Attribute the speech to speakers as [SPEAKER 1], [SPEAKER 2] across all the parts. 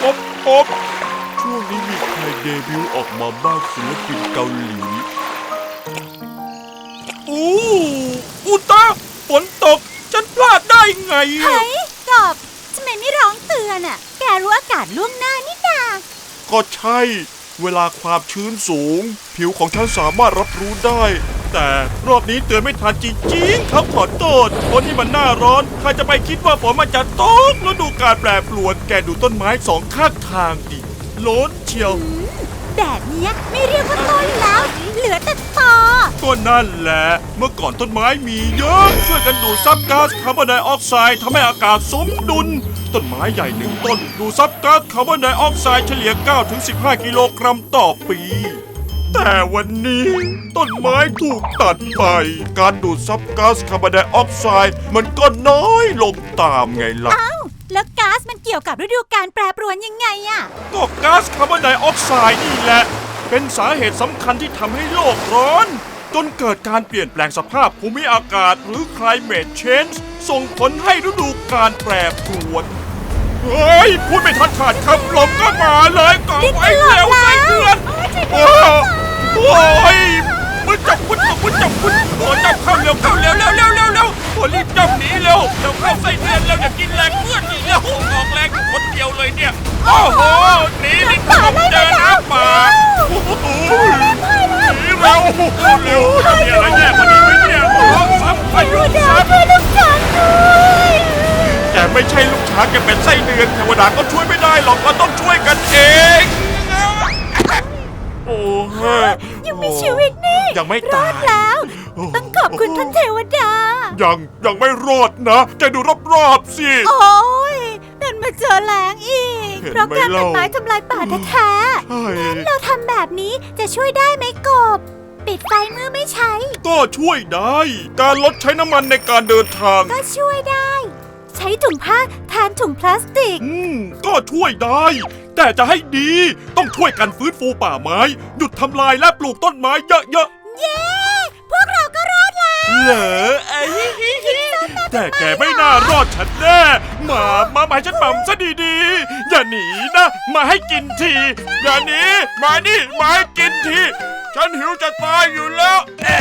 [SPEAKER 1] อบช่วงนี้มีใครเดบิวต์ออกมาบ้างศิลปินเกาหลีอุตะฝนตกฉันพลาดได้ไง
[SPEAKER 2] เฮ้ยกบทำไมไม่ร้องเตือนอ่ะแกรู้อากาศล่วงหน้านี่นา
[SPEAKER 1] ก็ใช่เวลาความชื้นสูงผิวของฉันสามารถรับรู้ได้แต่รอบนี้เตือนไม่ทันจริงๆครับขอโทษคนที่มันหน้าร้อนใครจะไปคิดว่าฝนมันจะตกแล้วดูการแปรปรวนแกดูต้นไม้สองข้างทางดิโล้นเชียว
[SPEAKER 2] แบบนี้ไม่เรียกว่าต้นแล้วเหลือแต่ตอ
[SPEAKER 1] ก็นั่นแหละเมื่อก่อนต้นไม้มีเยอะช่วยกันดูดซับก๊าซคาร์บอนไดออกไซด์ทำให้อากาศสมดุลต้นไม้ใหญ่หนึ่งต้นดูดซับก๊าซคาร์บอนไดออกไซด์เฉลี่ย 9-15 กิโลกรัมต่อปีแต่วันนี้ต้นไม้ถูกตัดไปการดูดซับก๊าซคาร์บอนไดออกไซด์มันก็น้อยลงตามไงล่ะ
[SPEAKER 2] แล้วก๊าซมันเกี่ยวกับฤดูกาลแปรปรวนยังไงอะ
[SPEAKER 1] ก็ก๊าซคาร์บอนไดออกไซด์นี่แหละเป็นสาเหตุสำคัญที่ทำให้โลกร้อนจนเกิดการเปลี่ยนแปลงสภาพภูมิอากาศหรือ climate change ส่งผลให้ฤดูกาลแปรปรวนเฮ้ยพูดไม่ทันขาดคำลมก็มาเลยก่อนไอ้เร็วไอ้เดือนโอ้ยมึงจับโอ้จับเข้าเร็วโอ้รีบจับหนีเร็วเข้าไส้เดือนแล้วอย่ากินแรงเพื่อนอีกแล้วออกแรงคนเดียวเลยเนี่ยโอ้โหหนีดิผมเจอน้ำป่าหนีเร็วมีอะไรแย่กว่านี้ไหมเนี่ยซ้ำพายุซ้ำแต่ไม่ใช่ลูกช้างแกเป็นไส้เดือนเทวดาก็ช่วยไม่ได้หรอกเราต้องช่วยกันเองโอ้
[SPEAKER 2] ยังมีชีวิตนี่
[SPEAKER 1] ยังไม่ตาย
[SPEAKER 2] แล้วต้องขอบคุณท่านเทวดา
[SPEAKER 1] ยังไม่รอดนะจะดูรอบๆสิ
[SPEAKER 2] โอ้ยดันมาเจอแรงอีกเพราะการตัดไม้ทำลายป่าแท้ๆงั้นเราทำแบบนี้จะช่วยได้ไหมกบปิดไฟเมื่อไม่ใช้
[SPEAKER 1] ก็ช่วยได้การลดใช้น้ำมันในการเดินทาง
[SPEAKER 2] ก็ช่วยได้ใช้ถุงผ้าแทนถุงพลาสติก
[SPEAKER 1] ก็ช่วยได้แต่จะให้ดีต้องช่วยกันฟื้นฟูป่าไม้หยุดทำลายและปลูกต้นไม้เยอะๆ
[SPEAKER 2] เย้พวกเราก็รอดแล้ว
[SPEAKER 1] เหรอแต่แกไม่น่ารอดฉันแน่มาให้ฉันหม่ำซะดีๆอย่าหนีนะมาให้กินทีอย่าหนีมานี่มาให้กินทีฉันหิวจะตายอยู่แล้ว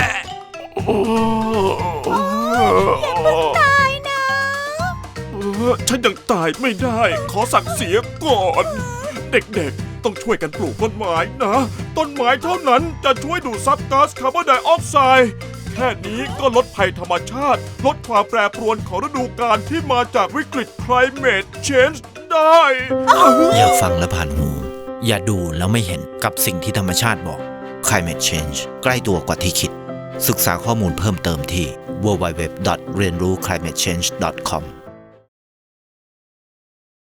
[SPEAKER 2] ตายนะ
[SPEAKER 1] ฉันยังตายไม่ได้ขอสั่งเสียก่อนเด็กๆต้องช่วยกันปลูกต้นไม้นะต้นไม้เท่านั้นจะช่วยดูดซับก๊าซคาร์บอนไดออกไซด์แค่นี้ก็ลดภัยธรรมชาติลดความแปรปรวนของฤดูกาลที่มาจากวิกฤต climate change ได้
[SPEAKER 3] อย่าฟังและผ่านหูอย่าดูแล้วไม่เห็นกับสิ่งที่ธรรมชาติบอก climate change ใกล้ตัวกว่าที่คิดศึกษาข้อมูลเพิ่มเติมที่ www.rienruclimatechange.com